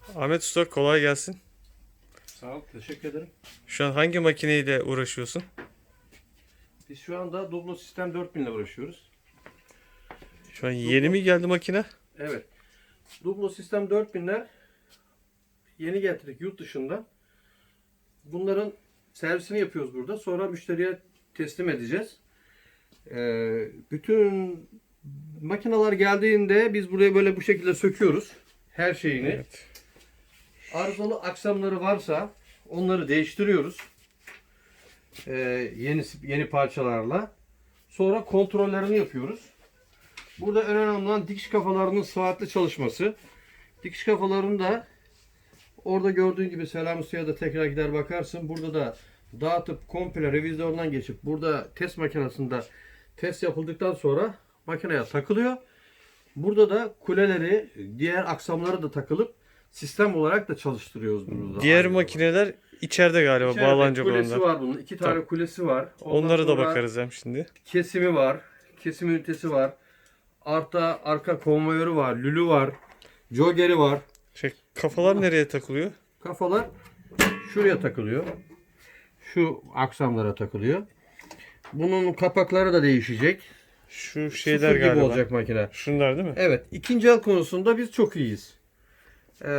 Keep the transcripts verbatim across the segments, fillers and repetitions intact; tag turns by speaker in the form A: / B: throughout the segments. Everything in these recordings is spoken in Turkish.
A: Ahmet Usta, kolay gelsin.
B: Sağ ol, teşekkür ederim.
A: Şu an hangi makineyle uğraşıyorsun?
B: Biz şu anda Doblo Sistem dört bin ile uğraşıyoruz.
A: Şu an yeni mi geldi makine?
B: Evet. Doblo Sistem dört binler yeni getirdik yurt dışından. Bunların servisini yapıyoruz burada. Sonra müşteriye teslim edeceğiz. Ee, bütün makineler geldiğinde biz buraya böyle bu şekilde söküyoruz. Her şeyini.
A: Evet.
B: Arızalı aksamları varsa onları değiştiriyoruz. Ee, yeni yeni parçalarla. Sonra kontrollerini yapıyoruz. Burada en önemli olan dikiş kafalarının sıhhatli çalışması. Dikiş kafalarını da orada gördüğün gibi Selam Usta'ya da tekrar gider bakarsın. Burada da dağıtıp komple revizyondan geçip burada test makinesinde test yapıldıktan sonra makineye takılıyor. Burada da kuleleri, diğer aksamları da takılıp sistem olarak da çalıştırıyoruz burada.
A: Diğer
B: Aynı
A: makineler içeride galiba,
B: İçeride
A: bağlanacak
B: kulesi
A: onlar.
B: var bunun. İki tane
A: Tamam.
B: kulesi var. Ondan
A: Onları da
B: sonra
A: bakarız hem şimdi.
B: kesimi var. Kesim ünitesi var. Arta arka konvoyörü var. Lülü var. Jogeri var.
A: Şey, kafalar nereye takılıyor?
B: Kafalar şuraya takılıyor. Şu aksamlara takılıyor. Bunun kapakları da değişecek.
A: Şu şeyler
B: Sıfır gibi
A: galiba.
B: olacak makine.
A: Şunlar değil mi?
B: Evet. İkinci el konusunda biz çok iyiyiz. Ee,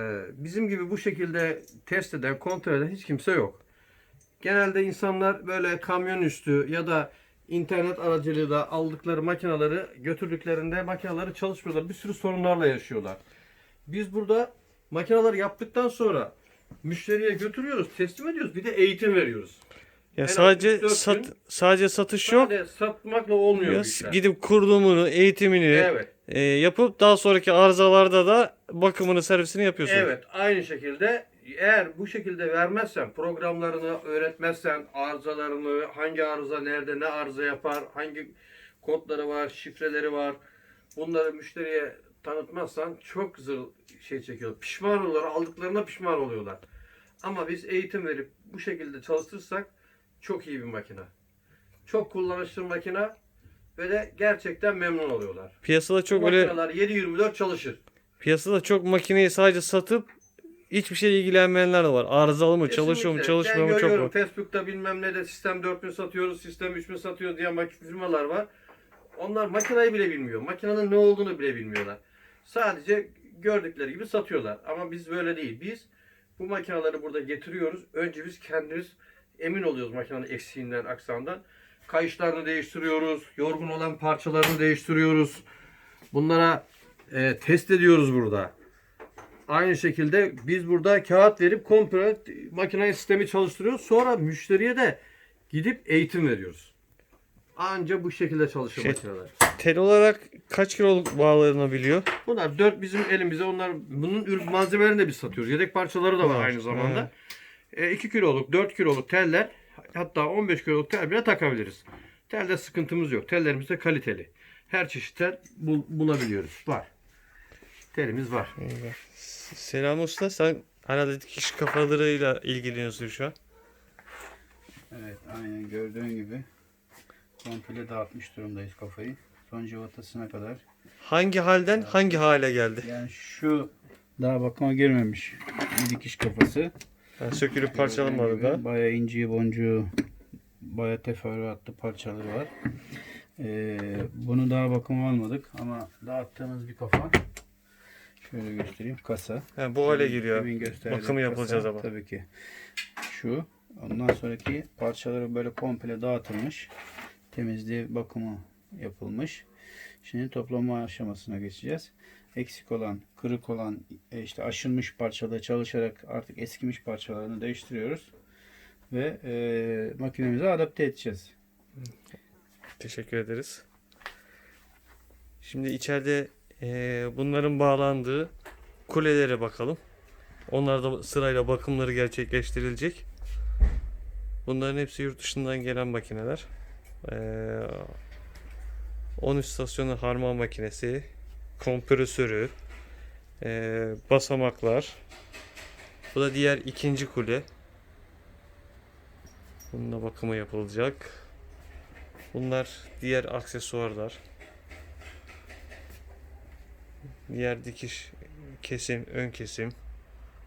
B: bizim gibi bu şekilde test eden, kontrol eden hiç kimse yok. Genelde insanlar böyle kamyon üstü ya da internet aracılığıyla aldıkları makineleri götürdüklerinde makineleri çalışmıyorlar. Bir sürü sorunlarla yaşıyorlar. Biz burada makineleri yaptıktan sonra müşteriye götürüyoruz, teslim ediyoruz. Bir de eğitim veriyoruz.
A: Ya
B: En az
A: sadece
B: üç dört
A: sat,
B: gün
A: sadece satış yok.
B: Sadece satmakla olmuyor
A: Ya
B: bu işler.
A: gidip kurulumunu, eğitimini
B: Evet.
A: e, yapıp daha sonraki arızalarda da bakımını, servisini yapıyorsunuz.
B: Evet, aynı şekilde eğer bu şekilde vermezsen, programlarını öğretmezsen, arızalarını, hangi arıza nerede, ne arıza yapar, hangi kodları var, şifreleri var, bunları müşteriye tanıtmazsan çok zır şey çekiyor. Pişman oluyorlar, aldıklarına pişman oluyorlar. Ama biz eğitim verip bu şekilde çalıştırırsak çok iyi bir makine. Çok kullanışlı bir makine ve de gerçekten memnun oluyorlar.
A: Piyasada
B: Bu
A: çok öyle
B: makineler yedi yirmi dört çalışır.
A: piyasada çok makineyi sadece satıp hiçbir şeyle ilgilenmeyenler de var. Arızalı mı, çalışıyor mu,
B: Kesinlikle.
A: çalışmıyor
B: Ben
A: mu çok
B: görüyorum
A: var.
B: Facebook'ta bilmem ne de sistem dört bin satıyoruz, sistem üç bin satıyoruz diye mak- firmalar var. Onlar makinayı bile bilmiyor. Makinenin ne olduğunu bile bilmiyorlar. Sadece gördükleri gibi satıyorlar. Ama biz böyle değil. Biz bu makineleri burada getiriyoruz. Önce biz kendimiz emin oluyoruz makinenin eksiğinden, aksamdan. Kayışlarını değiştiriyoruz. Yorgun olan parçalarını değiştiriyoruz. Bunlara e, test ediyoruz burada. Aynı şekilde biz burada kağıt verip komple makine sistemi çalıştırıyoruz. Sonra müşteriye de gidip eğitim veriyoruz. Anca bu şekilde çalışır
A: Şey-
B: makineler.
A: Tel olarak kaç kiloluk bağlanabiliyor?
B: Bunlar dört bizim elimize. Onlar bunun ürün malzemelerini de biz satıyoruz. Yedek parçaları da var
A: Var,
B: aynı zamanda. E, iki kiloluk, dört kiloluk teller, hatta on beş kiloluk tel bile takabiliriz. Telde sıkıntımız yok. Tellerimiz de kaliteli. Her çeşit tel bul- bulabiliyoruz. Var. Telimiz var.
A: Selam Usta, sen herhalde dikiş kafalarıyla ilgileniyorsun şu an.
C: Evet, aynen gördüğün gibi komple dağıtmış durumdayız kafayı. Son cıvatasına kadar.
A: Hangi halden hangi hale geldi?
C: Yani şu daha bakıma girmemiş bir dikiş kafası.
A: Yani sökülüp
C: Gördüğün
A: parçalanmadı
C: gibi
A: da.
C: Bayağı inci boncuğu, bayağı teferruatlı parçaları var. Ee, bunu daha bakıma almadık ama dağıttığımız bir kafa. Şöyle göstereyim, kasa.
A: Ha, bu hale giriyor.
C: Demin gösterdiğim
A: Bakımı
C: kasa,
A: yapılacağız ama.
C: Tabii ki. Şu. Ondan sonraki parçaları böyle komple dağıtılmış. Temizliği, bakımı yapılmış. Şimdi toplama aşamasına geçeceğiz. Eksik olan, kırık olan, e, işte aşınmış parçaları çalışarak artık eskimiş parçalarını değiştiriyoruz. Ve e, makinemize adapte edeceğiz.
A: Teşekkür ederiz. Şimdi içeride eee, bunların bağlandığı kulelere bakalım. Onlar da sırayla bakımları gerçekleştirilecek. Bunların hepsi yurt dışından gelen makineler. Eee on üç stasyonlu harman makinesi, kompresörü, eee, basamaklar. Bu da diğer ikinci kule. Bunun da bakımı yapılacak. Bunlar diğer aksesuarlar. Diğer dikiş, kesim, ön kesim.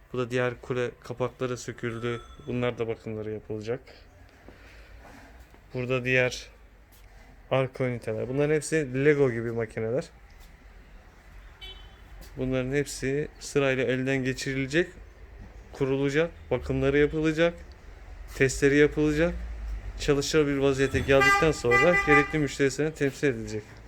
A: Bu da diğer kule kapakları söküldü. Bunlar da bakımları yapılacak. Burada diğer arka üniteler. Bunların hepsi Lego gibi makineler. Bunların hepsi sırayla elden geçirilecek, kurulacak, bakımları yapılacak, testleri yapılacak, çalışır bir vaziyete geldikten sonra gerekli müşterisine temsil edilecek.